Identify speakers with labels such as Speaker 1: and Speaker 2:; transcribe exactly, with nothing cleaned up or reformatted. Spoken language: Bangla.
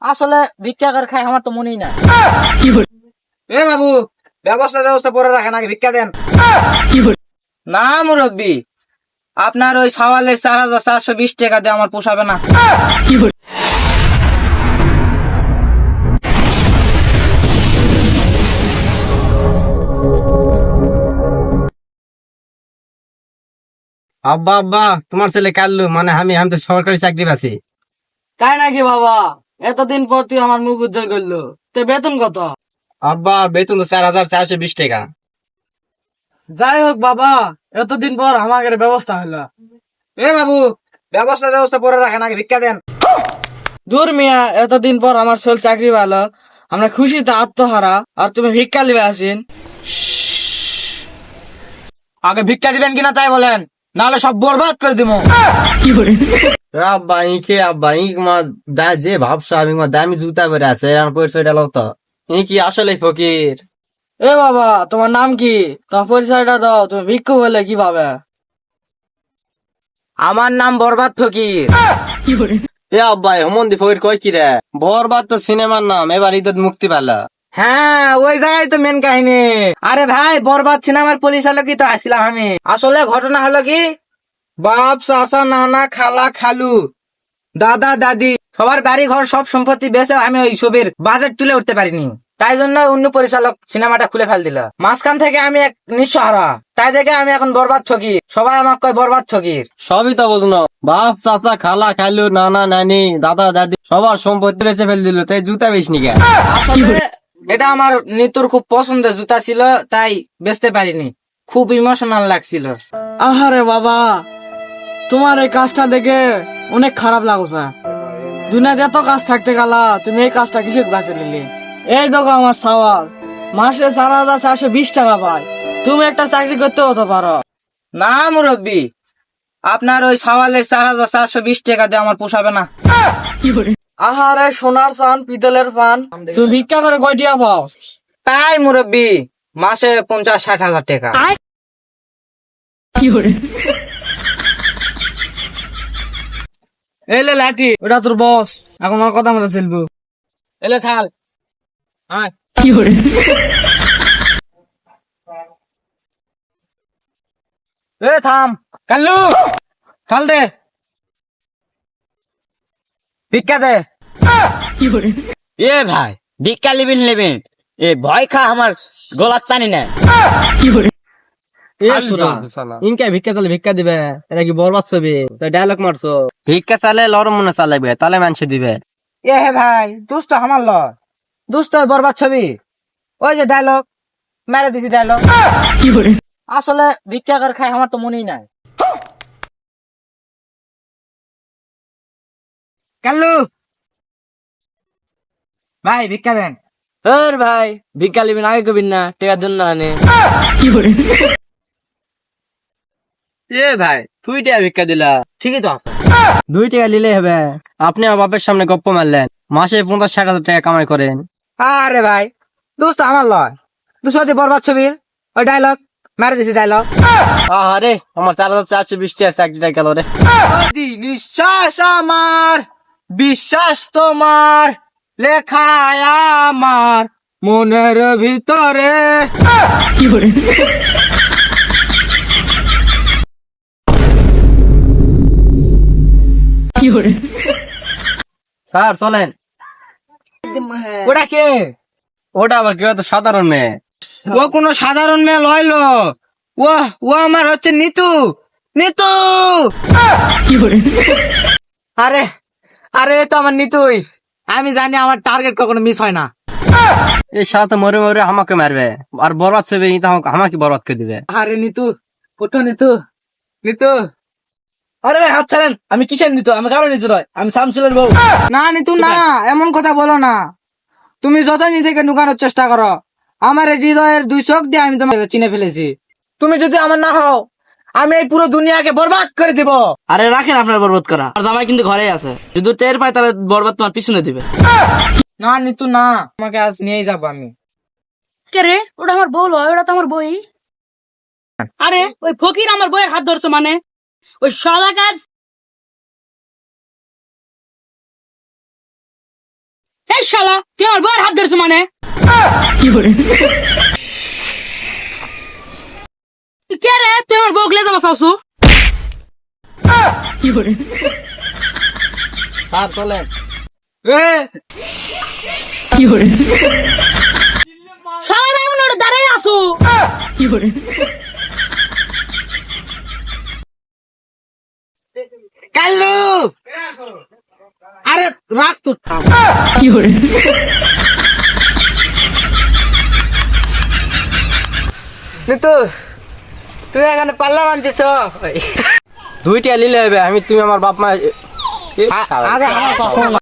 Speaker 1: আসলে ভিক্ষা করে খাই আমার তো মনেই না। এ বাবু, ব্যবস্থা ব্যবস্থা করে রাখেন, আগে ভিক্ষা দেন। না মুরব্বী, আপনার ওই সওয়ালে চার হাজার চারশো বিশ টাকা দিয়ে আমার পোষাবে না।
Speaker 2: আব্বা আব্বা তোমার ছেলে কাল্লু, মানে আমি আমি তো সরকারি চাকরি পাচ্ছি।
Speaker 1: তাই নাকি বাবা? এতদিন পর তুই আমার মুখ উজ্জ্বল করলো। তো বেতন কত?
Speaker 2: আব্বা বেতন তো চার হাজার চারশো বিশ টাকা।
Speaker 1: যাই হোক বাবা, এতদিন পর আমাদের ব্যবস্থা হলো। এ বাবু, ব্যবস্থা ব্যবস্থা করে রাখেন, আগে ভিক্ষা দেন। দূর মিয়া, এতদিন পর আমার ছেলে চাকরি ভালো, আমরা খুশিতে আত্মহারা, আর তুমি ভিক্ষা লিবে আসেন। আগে ভিক্ষা দিবেন কিনা তাই বলেন, নাহলে সব বরবাদ করে দিব।
Speaker 2: আব্বা ইকে আব্বা ইক মা দা যে ভাবছো আমি মা দামি জুতা পরে আছে আর পরিচয় ডালো তো ই কি আসলে ফকির।
Speaker 1: এ বাবা, তোমার নাম কি? তোমার পরিচয়টা দাও, তুমি ভিক্ষু বলে কিভাবে?
Speaker 2: আমার নাম বরবাদ ফকির। এ আব্বা হেমন্দি ফকির কয় কি রে? বরবাদ তো সিনেমার নাম, এবার ঈদের মুক্তি পেল।
Speaker 1: হ্যাঁ, ওই জায়গায় তো মেন কাহিনী। আরে ভাই, বরবাদ সিনেমার পরিচালকই তো আসছিলাম আমি। আসলে ঘটনা হলো কি, বাপ চাচা নানা খালা খালু দাদা দাদি সবার বাড়ি ঘর সব সম্পত্তি বেচে আমি ওই ছবির বাজেট তুলে উঠতে পারিনি। তাই জন্য অন্য পরিচালক সিনেমাটা খুলে ফেল দিল। মাঝখান থেকে আমি এক নিঃসহারা, তাই দেখে আমি এখন বরবাদ ফকির। সবাই আমাকে কয় বরবাদ ফকির।
Speaker 2: সবই তো বুঝলো, বাপ চাচা খালা খালু নানা নানি দাদা দাদি সবার সম্পত্তি বেঁচে ফেল দিল, তাই জুতা বেশনি কে?
Speaker 1: আসলে এটা আমার নিতুর খুব পছন্দের জুতা ছিল, তাই বেচতে পারিনি। খুব ইমোশনাল লাগছিল। আহারে বাবা, তোমার এই কাজটা দেখে অনেক খারাপ লাগছে। দুনিয়াতে এত কাজ থাকতে গেলা, তুমি এই কাজটা কিছু বেঁচে নিলে। এই দেখো আমার সওয়াল, মাসে চার হাজার চারশো বিশ টাকা পায়। তুমি একটা চাকরি করতে হতে পারো। না মুরব্বী, আপনার ওই সওয়ালে চার হাজার চারশো বিশ টাকা দিয়ে আমার পোষাবে না। আহারে সোনার চান পিতলের পান, তুমি ভিক্ষা করে কয় টিয়া পাও? তাই মুরব্বী, মাসে পঞ্চাশ ষাট হাজার টাকা। এলে লাঠি, ওটা তোর বস, এখন আমার কথা মতো চলবো। এলে থাল। আয়। এ থাম, কাল্লু থাল দে, ভিক্ষা দে।
Speaker 3: এ ভাই, ভিক্ষা লিবেন নেবেন, এ ভয় খা আমার গলার টানি না।
Speaker 2: এ সুরা ইনকে ভিক্ষা চালে ভিক্ষা দিবে, এটা কি বরবাদ ছবি? তাই ডায়লগ মারছো, ভিক্ষা চালে লরম মনে চালাবে, তাহলে মানুষ দিবে।
Speaker 1: এ হে ভাই, দুষ্ট আমার লয়, দুষ্ট বরবাদ ছবি। ওই যে ডায়লগ মেরে দিছি, ডায়লগ। আসলে ভিক্ষা করে খাই আমার তো মনেই নাই। কাল্লু ভাই, ভিক্ষা দেন।
Speaker 2: এর ভাই ভিক্ষা লিবেন আগে কবিন না, টেকার জন্য আনে। এ ভাই তুই টাকা ভিক্ষা দিলা,
Speaker 1: ঠিকই তো আছে।
Speaker 2: দুই টাকা নিলে হবে। আপনি আমার বাপের সামনে গপ্প মারলেন, মাসে পঞ্চাশ ষাট হাজার টাকা কামাই করেন।
Speaker 1: আরে ভাই, দুষ্ট আমার লয়, দুশো বরবাদ ছবির ওই ডায়লগ মেরে দিছি, ডায়লগ।
Speaker 2: আরে আমার চার হাজার চারশো বিশ টাকা চাকরিটা গেল রে।
Speaker 1: নিঃশ্বাস আমার, বিশ্বাস তোমার, লেখায় আমার মনের ভিতরে।
Speaker 2: স্যার চলেন।
Speaker 1: ওটা কে?
Speaker 2: ওটা আবার কেউ তো সাধারণ মেয়ে।
Speaker 1: ও কোনো সাধারণ মেয়ে লইলো, ও ও আমার হচ্ছে নিতু। নিতু, আরে আরে এ তো আমার নিতুই। আমি জানি আমার টার্গেট কখনো মিস হয় না।
Speaker 2: এই সাথে মরে মরে আমাকে মারবে, আর বরবাদ ছবি আমাকে বরবাদ করে দিবে।
Speaker 1: আরে নিতু, ওঠো নিতু, নিতু। আরে ভাই হাত ছাড়েন, আমি কিসের নিতু? আমি কারো নিতু নয়, আমি শামসুলের বউ। না নিতু না, এমন কথা বলো না। তুমি যতই নিজেকে নুকানোর চেষ্টা করো, আমার এই হৃদয়ের দুই চোখ দিয়ে আমি তোমাকে চিনে ফেলেছি। তুমি যদি আমার না হও, আমি এই পুরো দুনিয়াকে বরবাদ করে দিব।
Speaker 3: আরে রাখেন আপনার বরবাদ করা, আর জামাই কিন্তু ঘরে আছে, যদি টের পায় তাহলে বরবাদ তোমার পিছনে দিবে।
Speaker 1: না নিতু না, তোমাকে আজ নিয়েই যাবো আমি।
Speaker 4: কে রে? ওটা আমার বউ লয়, ওটা তো আমার বই। আরে ওই ফকির আমার বইয়ের হাত ধরছো মানে? ওই সদা কাজ এই শালা তুই আমার বউয়ের হাত ধরছো মানে কে রে তুই আমার বউ লেজা বসাওছু
Speaker 2: স্যার চলেন।
Speaker 4: শালা এমন ওটা দাঁড়াই আসো
Speaker 2: কাল্লু আরে রাখ তো নিতু তুই এখানে পাল্লা মানছিস দুইটা লিলে হবে আমি তুমি আমার বাপ মা আগে আমার